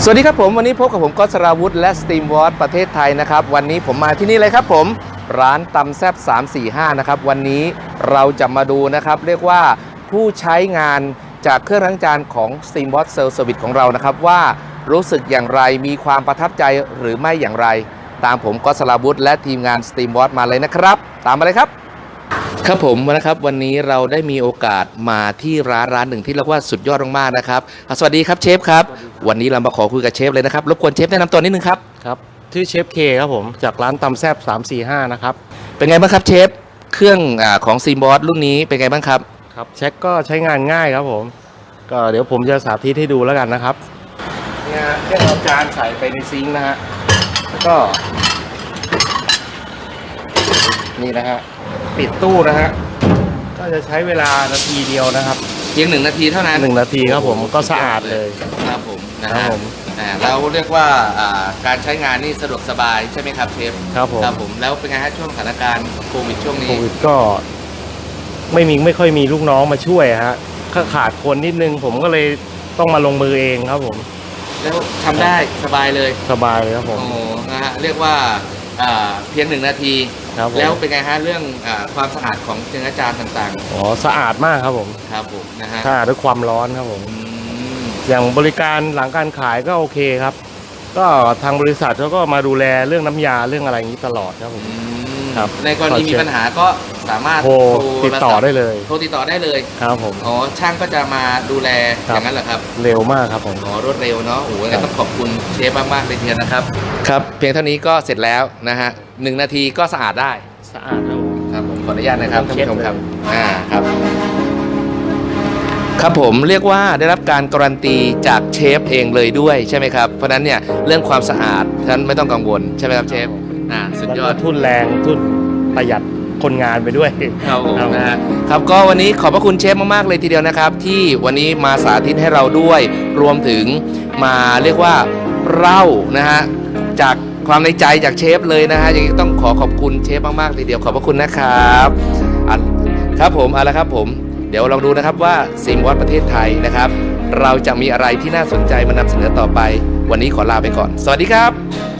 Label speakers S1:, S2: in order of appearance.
S1: สวัสดีครับผมวันนี้พบกับผมก๊อต สราวุธและสตรีมวอร์ประเทศไทยนะครับวันนี้ผมมาที่นี่เลยครับผมร้านตำแซ่บ345นะครับวันนี้เราจะมาดูนะครับเรียกว่าผู้ใช้งานจากเครื่องล้างจานของ Steamboat Self Service ของเรานะครับว่ารู้สึกอย่างไรมีความประทับใจหรือไม่อย่างไรตามผมก๊อต สราวุธและทีมงาน Steamboat มาเลยนะครับตามมาเลยครับครับผมนะครับวันนี้เราได้มีโอกาสมาที่ร้านหนึ่งที่เรียกว่าสุดยอดมากๆนะครับสวัสดีครับเชฟครับวันนี้เรามาขอคุยกับเชฟเลยนะครับรบกวนเชฟแนะนำตัวนิดนึงครับ
S2: ครับชื่อเชฟเคครับผมจากร้านตำแซบ345นะครับ
S1: เป็นไงบ้างครับเชฟเครื่องของซีมบอสรุ่นนี้เป็นไงบ้างครับ
S2: ครับเช็คก็ใช้งานง่ายครับผมก็เดี๋ยวผมจะสาธิตให้ดูแล้วกันนะครับนี่ฮะแค่เอาจานใส่ไปในซิงค์นะฮะแล้วก็นี่นะฮะปิดตู้นะฮะก็จะใช้เวลานาทีเดียวนะครับ
S1: เพียง1 นาทีเท่านั้น
S2: 1 นาทีครับผมก็สะอาดเลย
S1: ครับผมนะครับผมเราเรียกว่าการใช้งานนี่สะดวกสบายใช่ไหมครับเชฟ
S2: ครับผม
S1: แล้วเป็นไงฮะช่วงสถานการณ์โควิดช่วงนี้
S2: โควิดก็ไม่ค่อยมีลูกน้องมาช่วยฮะก็ขาดคนนิดนึงผมก็เลยต้องมาลงมือเองครับผม
S1: แล้วทำได้สบายเลย
S2: สบายครับผม
S1: โอ้นะฮะเรียกว่าเพียง1 นาทีแล้วเป็นไงฮะเรื่องความสะอาดของเครื่องล้างจานต่าง
S2: ๆอ๋อสะอาดมากครับผม
S1: ครับผมนะฮะ
S2: สะอาดด้วยความร้อนครับผมอย่างบริการหลังการขายก็โอเคครับก็ทางบริษัทเขาก็มาดูแลเรื่องน้ำยาเรื่องอะไรอย่างนี้ตลอดครับผม
S1: ครับในกรณีมีปัญหาก็สามารถ
S2: โทรติดต่อได้เลย
S1: โทรติดต่อได้เลย
S2: ครับผม
S1: อ๋อช่างก็จะมาดูแลอย่างนั้นเหรอครับ
S2: เร็วมากครับผม
S1: อ๋อรวดเร็วเนาะโอ้โหงั้นต้องขอบคุณเชฟมากๆเลยทีเดียวนะครับครับเพียงเท่านี้ก็เสร็จแล้วนะฮะ1 นาทีก็สะอาดได้
S2: สะอาด
S1: ครับผมขออนุญาตนะครับท่านผู้ชมครับครับครับผมเรียกว่าได้รับการการันตีจากเชฟเองเลยด้วยใช่ไหมครับเพราะนั้นเนี่ยเรื่องความสะอาดท่านไม่ต้องกังวลใช่ไหมครับเชฟสุดยอด
S2: ทุนแรงทุนประหยัดคนงานไปด้วย
S1: ครับผมนะฮะครับก็วันนี้ขอบพระคุณเชฟมากๆเลยทีเดียวนะครับที่วันนี้มาสาธิตให้เราด้วยรวมถึงมาเรียกว่าเล่านะฮะจากความในใจจากเชฟเลยนะฮะยังต้องขอบคุณเชฟมากๆทีเดียวขอบพระคุณนะครับครับผมเอาละครับผมเดี๋ยวลองดูนะครับว่าซีมวอตประเทศไทยนะครับเราจะมีอะไรที่น่าสนใจมานำเสนอต่อไปวันนี้ขอลาไปก่อนสวัสดีครับ